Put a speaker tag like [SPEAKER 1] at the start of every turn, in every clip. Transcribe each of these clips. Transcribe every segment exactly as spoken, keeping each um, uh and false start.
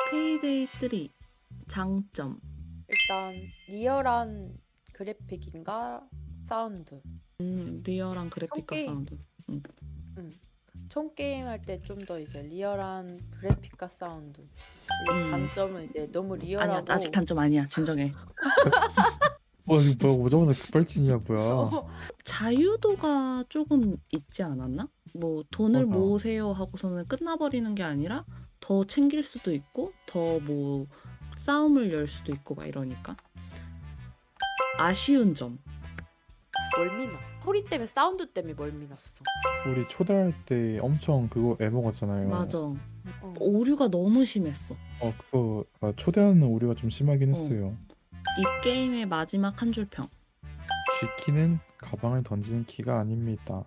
[SPEAKER 1] 페이데이 쓰리 장점.
[SPEAKER 2] 일단 리얼한 그래픽인가 사운드.
[SPEAKER 1] 음, 리얼한 그래픽과
[SPEAKER 2] 게임.
[SPEAKER 1] 사운드. 음.
[SPEAKER 2] 총 게임 할 때 좀 더 이제 리얼한 그래픽과 사운드. 이제
[SPEAKER 1] 음.
[SPEAKER 2] 단점은 이제 너무 리얼하고.
[SPEAKER 1] 아니야, 아직 단점 아니야. 진정해.
[SPEAKER 3] 어 이거 뭐야 오자마자 급발진이야 뭐야.
[SPEAKER 2] 어,
[SPEAKER 1] 자유도가 조금 있지 않았나? 뭐 돈을
[SPEAKER 3] 맞아.
[SPEAKER 1] 모으세요 하고서는 끝나버리는 게 아니라 더 챙길 수도 있고 더 뭐 싸움을 열 수도 있고 막 이러니까 아쉬운 점.
[SPEAKER 2] 멀미나. 소리 때문에 사운드 때문에 멀미났어.
[SPEAKER 3] 우리 초대할 때 엄청 그거 애먹었잖아요.
[SPEAKER 1] 맞아.
[SPEAKER 2] 어.
[SPEAKER 1] 오류가 너무 심했어.
[SPEAKER 3] 어 그거 아, 초대하는 오류가 좀 심하긴
[SPEAKER 1] 어.
[SPEAKER 3] 했어요.
[SPEAKER 1] 이 게임의 마지막 한 줄 평.
[SPEAKER 3] G키는 가방을 던지는 키가 아닙니다.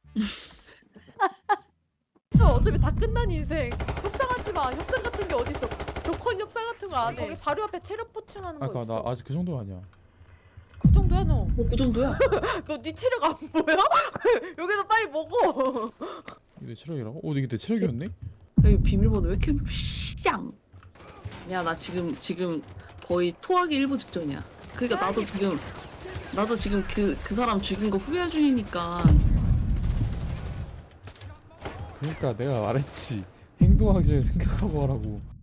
[SPEAKER 2] 저 어차피 다 끝난 인생. 협상하지 마. 협상 같은 게 어딨어. 조건 협상 같은 거 안 해. 거기 바로 앞에 체력 보충하는 거
[SPEAKER 3] 아까
[SPEAKER 2] 있어.
[SPEAKER 3] 나 아직 그 정도 아니야.
[SPEAKER 2] 그 정도야 너.
[SPEAKER 1] 뭐 그 정도야?
[SPEAKER 2] 너 네 체력 안 보여? 여기서 빨리 먹어.
[SPEAKER 3] 이게 내 체력이라고? 어 이게 내 체력이었네?
[SPEAKER 1] 여기 비밀번호 왜 이렇게 샹? 야, 나 지금 지금 거의 토하기 일보 직전이야. 그러니까 나도 지금 나도 지금 그 그 사람 죽인 거 후회 중이니까.
[SPEAKER 3] 그러니까 내가 말했지. 행동하기 전에 생각하고 하라고.